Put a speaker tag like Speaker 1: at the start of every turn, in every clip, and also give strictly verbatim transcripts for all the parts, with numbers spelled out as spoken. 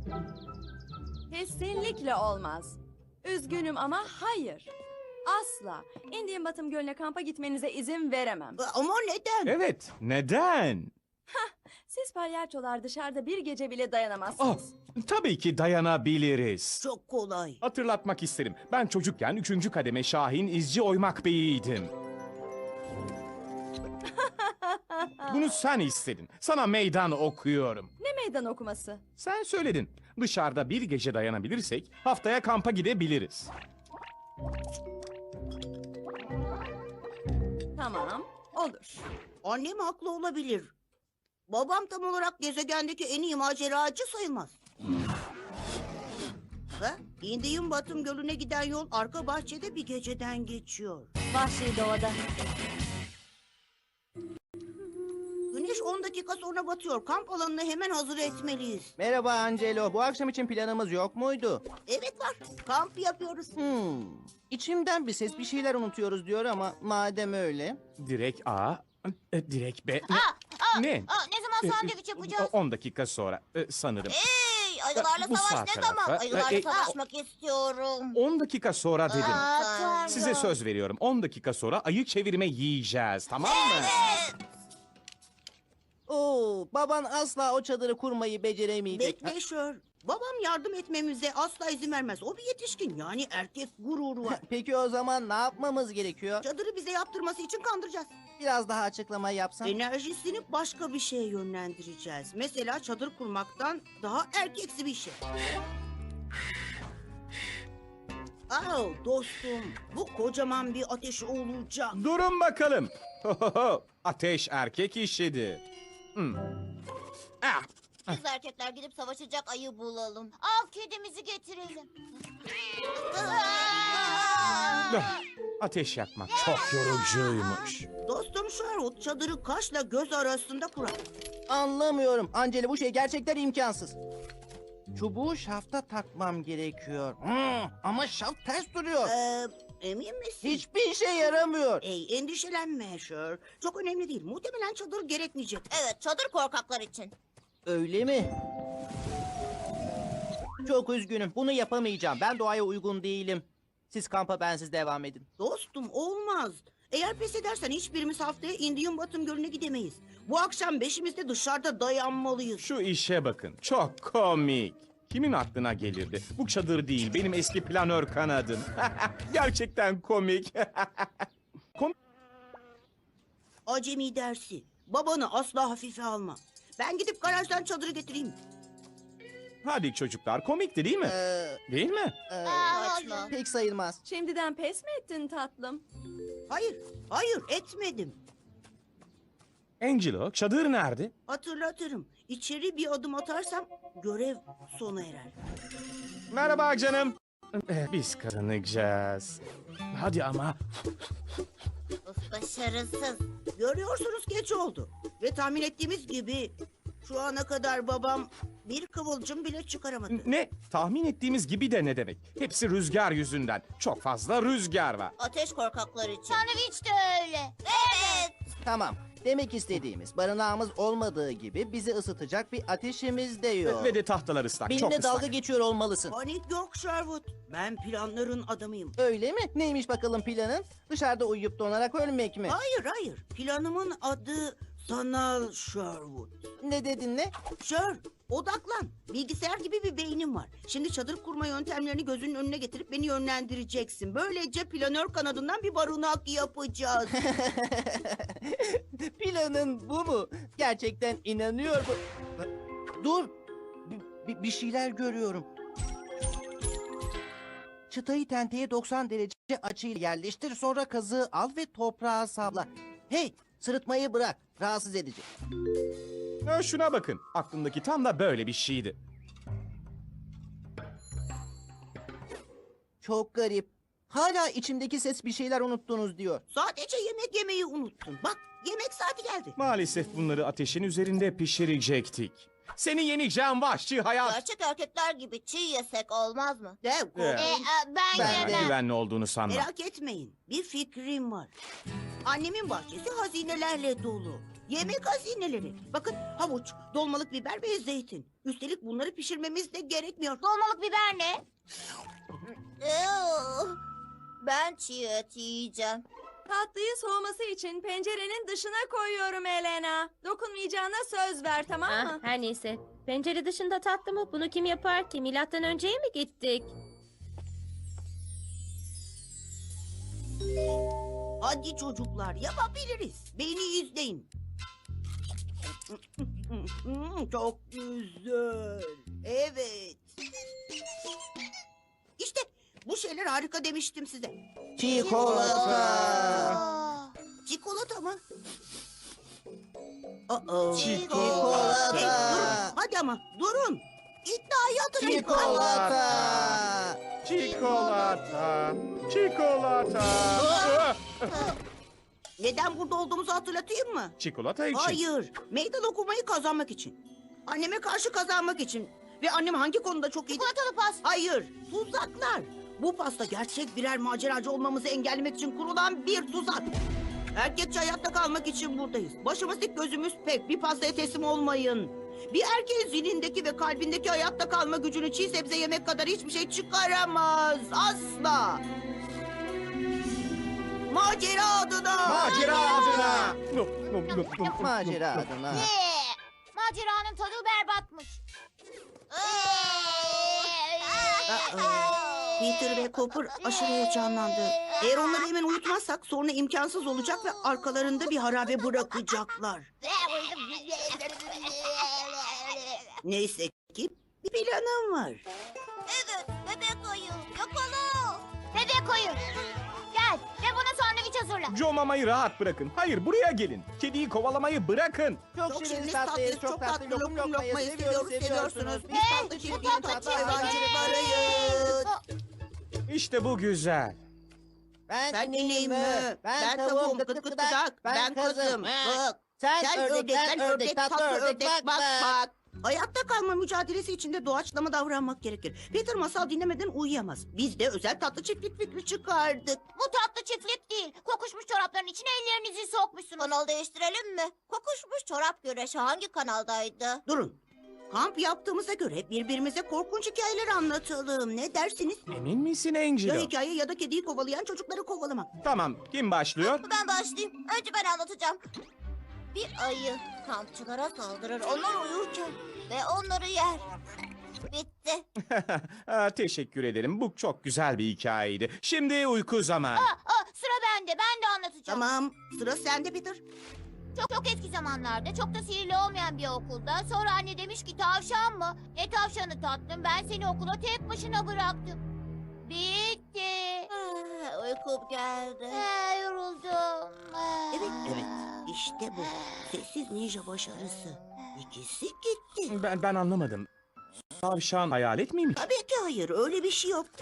Speaker 1: Kesinlikle olmaz. Üzgünüm ama hayır. Asla. Indian Bottom Gölü'ne kampa gitmenize izin veremem.
Speaker 2: Ama neden?
Speaker 3: Evet, neden?
Speaker 1: Siz palyaçolar dışarıda bir gece bile
Speaker 3: Oh,
Speaker 1: dayanamazsınız.
Speaker 3: tabii ki dayanabiliriz.
Speaker 2: Çok kolay.
Speaker 3: Hatırlatmak isterim. Ben çocukken üçüncü kademe Şahin İzci Oymak Bey'iydim. Bunu sen istedin. Sana meydan okuyorum.
Speaker 1: Ne meydan okuması?
Speaker 3: Sen söyledin. Dışarıda bir gece dayanabilirsek haftaya kampa gidebiliriz.
Speaker 1: Tamam, olur.
Speaker 2: Annem haklı olabilir. Babam tam olarak gezegendeki en iyi maceracı sayılmaz. Ha? Indian Bottom Gölü'ne giden yol arka bahçede bir geceden geçiyor.
Speaker 1: Vahşi doğada.
Speaker 2: Güneş on dakika sonra batıyor. Kamp alanını hemen hazır etmeliyiz.
Speaker 4: Merhaba Angelo. Bu akşam için planımız yok muydu?
Speaker 2: Evet var. Kamp yapıyoruz.
Speaker 4: Hmm. İçimden bir ses bir şeyler unutuyoruz diyor ama madem öyle.
Speaker 3: Direkt A, e, direkt B. Ne?
Speaker 5: Aa,
Speaker 3: Ne?
Speaker 5: aa, ne zaman
Speaker 3: E,
Speaker 5: sandviç yapacağız?
Speaker 3: on dakika sonra e, sanırım.
Speaker 5: Hey, ayılarla
Speaker 3: Bu
Speaker 5: savaş
Speaker 3: sağ
Speaker 5: ne
Speaker 3: tarafa.
Speaker 5: zaman? Ayılarla
Speaker 3: E, e,
Speaker 5: savaşmak istiyorum.
Speaker 3: on dakika sonra dedim.
Speaker 5: Aa, Tanrım.
Speaker 3: Size söz veriyorum. on dakika sonra ayı çevirme yiyeceğiz. Tamam mı?
Speaker 4: Oo, baban asla o çadırı kurmayı beceremeyecek.
Speaker 2: Bekle Şör. Babam yardım etmemize asla izin vermez. O bir yetişkin, yani erkek gururu var.
Speaker 4: Peki o zaman ne yapmamız gerekiyor?
Speaker 2: Çadırı bize yaptırması için kandıracağız.
Speaker 4: Biraz daha açıklama yapsan.
Speaker 2: Enerjisini başka bir şeye yönlendireceğiz. Mesela çadır kurmaktan daha erkeksi bir şey. Aa, dostum, bu kocaman bir ateş olacak.
Speaker 3: Durun bakalım. Ateş erkek işidir. Hmm. Ah,
Speaker 5: Biz erkekler gidip savaşacak ayı bulalım. Av kedimizi getirelim.
Speaker 3: ah. Ateş yakmak çok yorucuymuş.
Speaker 2: Dostum Sherwood çadırı kaşla göz arasında kurar.
Speaker 4: Anlamıyorum. Angelo bu şey gerçekten imkansız. Çubuğu şafta takmam gerekiyor. Hmm, ama şaft ters duruyor.
Speaker 2: Ee, emin misin?
Speaker 4: Hiçbir işe yaramıyor.
Speaker 2: Ey, endişelenme Sher. Çok önemli değil. Muhtemelen çadır gerekmeyecek.
Speaker 5: Evet, çadır korkaklar için.
Speaker 4: Öyle mi? Çok üzgünüm. Bunu yapamayacağım. Ben doğaya uygun değilim. Siz kampa bensiz devam edin.
Speaker 2: Dostum olmaz. Eğer pes edersen hiçbirimiz haftaya Indian Bottom Gölü'ne gidemeyiz. Bu akşam beşimiz de dışarıda dayanmalıyız.
Speaker 3: Şu işe bakın. Çok komik. Kimin aklına gelirdi? Bu çadır değil, benim eski planör kanadım. Gerçekten komik. Kom
Speaker 2: Acemi dersi. Babanı asla hafife alma. Ben gidip garajdan çadırı getireyim.
Speaker 3: Hadi çocuklar, komikti değil mi?
Speaker 4: Ee,
Speaker 3: Değil mi?
Speaker 4: e,
Speaker 5: Aa,
Speaker 2: Saçma.
Speaker 5: hayır.
Speaker 4: pek sayılmaz.
Speaker 1: Şimdiden pes mi ettin tatlım?
Speaker 2: Hayır, hayır etmedim.
Speaker 3: Angelo, çadır nerede?
Speaker 2: Hatırlatırım. İçeri bir adım atarsam görev sona erer.
Speaker 3: Merhaba canım. Eh, Biz kazanacağız. Hadi ama.
Speaker 5: Of, başarısız.
Speaker 2: Görüyorsunuz geç oldu. Ve tahmin ettiğimiz gibi şu ana kadar babam bir kıvılcım bile çıkaramadı.
Speaker 3: Ne? Tahmin ettiğimiz gibi de ne demek? Hepsi rüzgar yüzünden. Çok fazla rüzgar var.
Speaker 5: Ateş korkaklar için. Sandviç de öyle. Evet.
Speaker 4: Tamam. Demek istediğimiz barınağımız olmadığı gibi bizi ısıtacak bir ateşimiz de yok.
Speaker 3: Ve de tahtalar ıslak. Çok
Speaker 4: Benimle
Speaker 3: ıslak.
Speaker 4: dalga geçiyor olmalısın.
Speaker 2: Panik yok Sherwood. Ben planların adamıyım.
Speaker 4: Öyle mi? Neymiş bakalım planın? Dışarıda uyuyup donarak ölmek mi?
Speaker 2: Hayır hayır. Planımın adı Sanal Sherwood.
Speaker 4: Ne dedin ne?
Speaker 2: Sher, odaklan. Bilgisayar gibi bir beynim var. Şimdi çadır kurma yöntemlerini gözünün önüne getirip beni yönlendireceksin. Böylece planör kanadından bir barınak yapacağız.
Speaker 4: Planın bu mu? Gerçekten inanıyor mu? Dur. Bir, bir- bir şeyler görüyorum. Çıtayı tenteye doksan derece açıyla yerleştir. Sonra kazığı al ve toprağa sabla. Hey, sırıtmayı bırak. Rahatsız edici.
Speaker 3: Ha, şuna bakın. Aklımdaki tam da böyle bir şeydi.
Speaker 4: Çok garip. Hala içimdeki ses bir şeyler unuttunuz diyor.
Speaker 2: Sadece yemek yemeyi unuttun. Bak yemek saati geldi.
Speaker 3: Maalesef bunları ateşin üzerinde pişirecektik. Seni yeneceğim vahşi hayat.
Speaker 5: Gerçek erkekler gibi çiğ yesek olmaz mı?
Speaker 2: Dev
Speaker 3: Evet.
Speaker 5: Ee,
Speaker 2: korkmayın.
Speaker 5: e, ben,
Speaker 4: Ben
Speaker 5: yemem.
Speaker 4: de.
Speaker 3: Güvenli olduğunu sanmam.
Speaker 2: Merak etmeyin. Bir fikrim var. Annemin bahçesi hazinelerle dolu. Yemek hazineleri. Bakın havuç, dolmalık biber ve zeytin. Üstelik bunları pişirmemiz de gerekmiyor.
Speaker 5: Dolmalık biber ne? Ew, ben çiğ et yiyeceğim.
Speaker 1: Tatlıyı soğuması için pencerenin dışına koyuyorum Elena. Dokunmayacağına söz ver, tamam
Speaker 6: Ah,
Speaker 1: mı?
Speaker 6: her neyse. Pencere dışında tatlı mı? Bunu kim yapar ki? Milattan önceye mi gittik?
Speaker 2: Hadi çocuklar yapabiliriz. Beni izleyin. Çok güzel. Evet. İşte bu şeyler harika demiştim size.
Speaker 4: Çikolata.
Speaker 5: Aa,
Speaker 2: Çikolata mı? Aa,
Speaker 4: Çikolata.
Speaker 2: Hey, durun. Hadi ama durun. İddiayı hatırlayın.
Speaker 4: Çikolata.
Speaker 3: Çikolata. Çikolata.
Speaker 2: Neden burada olduğumuzu hatırlatayım mı?
Speaker 3: Çikolata için.
Speaker 2: Hayır. Meydan okumayı kazanmak için. Anneme karşı kazanmak için. Ve annem hangi konuda çok iyi?
Speaker 5: çikolatalı pasta.
Speaker 2: Hayır. Tuzaklar. Bu pasta gerçek birer maceracı olmamızı engellemek için kurulan bir tuzak. Erkekçe hayatta kalmak için buradayız. Başımız dik gözümüz pek. Bir pastaya teslim olmayın. Bir erkeğin zihnindeki ve kalbindeki hayatta kalma gücünü çiğ sebze yemek kadar hiçbir şey çıkaramaz. Asla. Macera adına.
Speaker 3: Macera adına.
Speaker 4: Macera adına.
Speaker 5: Ne? Maceranın tadı berbatmış.
Speaker 2: Peter ve Cooper aşırı heyecanlandı. Eğer onları hemen uyutmazsak sonra imkansız olacak ve arkalarında bir harabe bırakacaklar. Neyse ki bir planım var.
Speaker 5: Evet, bebek ayı. Yakala. Bebek ayı. Gel ve bana sandviç hazırla.
Speaker 3: Joe Mama'yı rahat bırakın. Hayır, buraya gelin. Kediyi kovalamayı bırakın.
Speaker 4: Çok
Speaker 2: Çok
Speaker 4: şirin
Speaker 2: şirin
Speaker 4: tatlıyız,
Speaker 2: tatlıyız,
Speaker 4: çok tatlı lokum lokmayı seviyoruz,
Speaker 2: seviyoruz,
Speaker 4: seviyorsunuz.
Speaker 2: seviyorsunuz. Biz
Speaker 5: Hey,
Speaker 2: tatlı
Speaker 5: bu
Speaker 2: çiftliğin
Speaker 5: tatlı
Speaker 2: tatlı
Speaker 5: çiftliği.
Speaker 2: hayvancılıklarıyız.
Speaker 3: İşte bu güzel.
Speaker 4: Ben,
Speaker 2: Ben ineyim mü?
Speaker 4: Ben tavuğum, gıt gıt gıdak.
Speaker 2: Ben kızım. Bak.
Speaker 4: Sen,
Speaker 2: Sen
Speaker 4: ördek,
Speaker 2: ördek,
Speaker 4: ben
Speaker 2: ben
Speaker 4: ördek, tatlı ördek, bak bak.
Speaker 2: bak. Hayatta kalma mücadelesi içinde doğaçlama davranmak gerekir. Peter masal dinlemeden uyuyamaz. Biz de özel tatlı çiftlik fikri çıkardık.
Speaker 5: Bu tatlı çiftlik değil. Kokuşmuş çorapların içine ellerinizi sokmuşsunuz. Kanal değiştirelim mi? Kokuşmuş çorap güreşi hangi kanaldaydı?
Speaker 2: Durun. Kamp yaptığımıza göre birbirimize korkunç hikayeler anlatalım. Ne dersiniz?
Speaker 3: Emin misin
Speaker 2: Ya
Speaker 3: Angelo?
Speaker 2: hikaye ya da kediyi kovalayan çocukları kovalamak.
Speaker 3: Tamam, kim başlıyor?
Speaker 5: Ben başlayayım. Önce ben anlatacağım. Bir ayı kampçılara saldırır onlar uyurken ve onları yer. Bitti.
Speaker 3: Aa, teşekkür ederim. Bu çok güzel bir hikayeydi. Şimdi uyku zamanı.
Speaker 5: Aa, aa, sıra bende. Ben de anlatacağım.
Speaker 2: Tamam. Sıra sende Peter.
Speaker 5: Çok çok eski zamanlarda çok da sihirli olmayan bir okulda sonra anne demiş ki tavşan mı? Ne tavşanı tatlım ben seni okula tek başına bıraktım. Bitti. Ah, uykum geldi. Ah, yoruldum. Ah.
Speaker 2: Evet, evet. İşte bu. Sessiz ninja başarısı. İkisi gitti.
Speaker 3: Ben ben anlamadım. Tavşan hayalet miymiş?
Speaker 2: Tabii ki hayır. Öyle bir şey yok.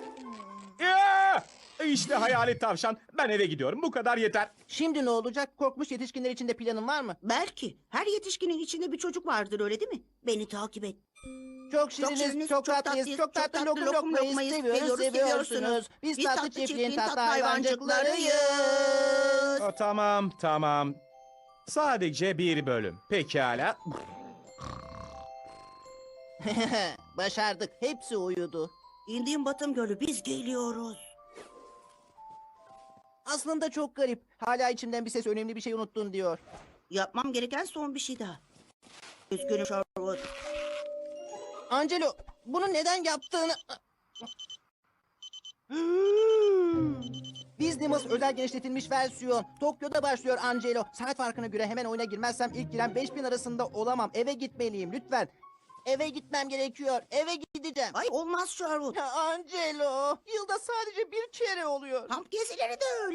Speaker 3: Ya! İşte hayalet tavşan. Ben eve gidiyorum. Bu kadar yeter.
Speaker 4: Şimdi ne olacak? Korkmuş yetişkinler için de planın var mı?
Speaker 2: Belki. Her yetişkinin içinde bir çocuk vardır öyle değil mi? Beni takip et.
Speaker 4: Çok şiriniz,
Speaker 2: şiriniz,
Speaker 4: çok,
Speaker 2: çok
Speaker 4: tatlıyız,
Speaker 2: tatlıyız,
Speaker 4: çok
Speaker 2: çok
Speaker 4: tatlı
Speaker 2: tatlı
Speaker 4: lokum
Speaker 2: lokum
Speaker 4: lokmayı
Speaker 2: lokmayı
Speaker 4: seviyoruz,
Speaker 2: seviyoruz,
Speaker 4: seviyorsunuz.
Speaker 2: seviyorsunuz.
Speaker 4: Biz
Speaker 2: Biz
Speaker 4: tatlı
Speaker 2: tatlı
Speaker 4: çiftliğin
Speaker 2: çiftliğin
Speaker 4: tatlı
Speaker 2: tatlı
Speaker 4: hayvancıklarıyız.
Speaker 3: Aa, tamam, tamam. Sadece bir bölüm. Pekala.
Speaker 4: Başardık. Hepsi uyudu.
Speaker 2: İndiğim Batım Gölü biz geliyoruz.
Speaker 4: Aslında çok garip. Hala içimden bir ses önemli bir şey unuttun diyor.
Speaker 2: Yapmam gereken son bir şey daha. Üzgünüm Sherwood.
Speaker 4: Angelo, bunu neden yaptığını... Disneymas özel genişletilmiş versiyon. Tokyo'da başlıyor Angelo. Saat farkına göre hemen oyuna girmezsem ilk giren beş bin arasında olamam. Eve gitmeliyim lütfen. Eve gitmem gerekiyor. Eve gideceğim.
Speaker 2: Ay olmaz Sherwood.
Speaker 4: Ya Angelo, yılda sadece bir kere oluyor.
Speaker 2: Kamp gezileri de öyle.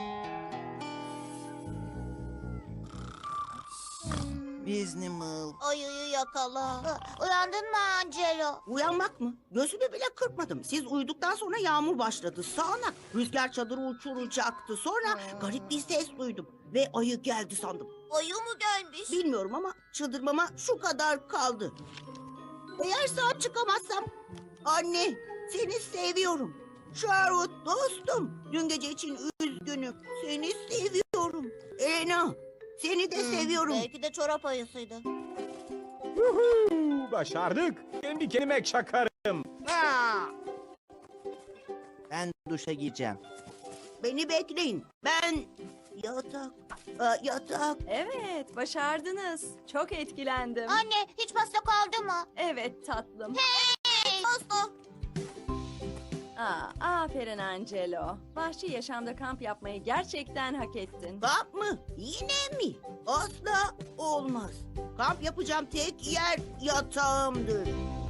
Speaker 4: Disneymas.
Speaker 5: Ayıyı yakala. Uyandın mı Angelo?
Speaker 2: Uyanmak mı? Gözümü bile kırpmadım. Siz uyuduktan sonra yağmur başladı. Sağanak. Rüzgar çadırı uçuracaktı. Sonra garip bir ses duydum. Ve ayı geldi sandım.
Speaker 5: Ayı mı gelmiş?
Speaker 2: Bilmiyorum ama çıldırmama şu kadar kaldı. Eğer sağ çıkamazsam... Anne, seni seviyorum. Sherwood dostum. Dün gece için üzgünüm. Seni seviyorum. Elena, Seni de seviyorum.
Speaker 5: Belki de çorap ayısıydı.
Speaker 3: Yuhuu, başardık. Kendi kendime çakarım.
Speaker 2: Ha,
Speaker 4: Ben duşa gireceğim.
Speaker 2: beni bekleyin. Ben yatak, Aa, yatak.
Speaker 1: Evet, başardınız. Çok etkilendim.
Speaker 5: Anne hiç pasta kaldı mı?
Speaker 1: Evet tatlım.
Speaker 5: Hey! Pasta.
Speaker 1: Aa, aferin Angelo. Vahşi yaşamda kamp yapmayı gerçekten hak ettin.
Speaker 2: Kamp mı? Yine mi? Asla olmaz. Kamp yapacağım tek yer yatağımdır.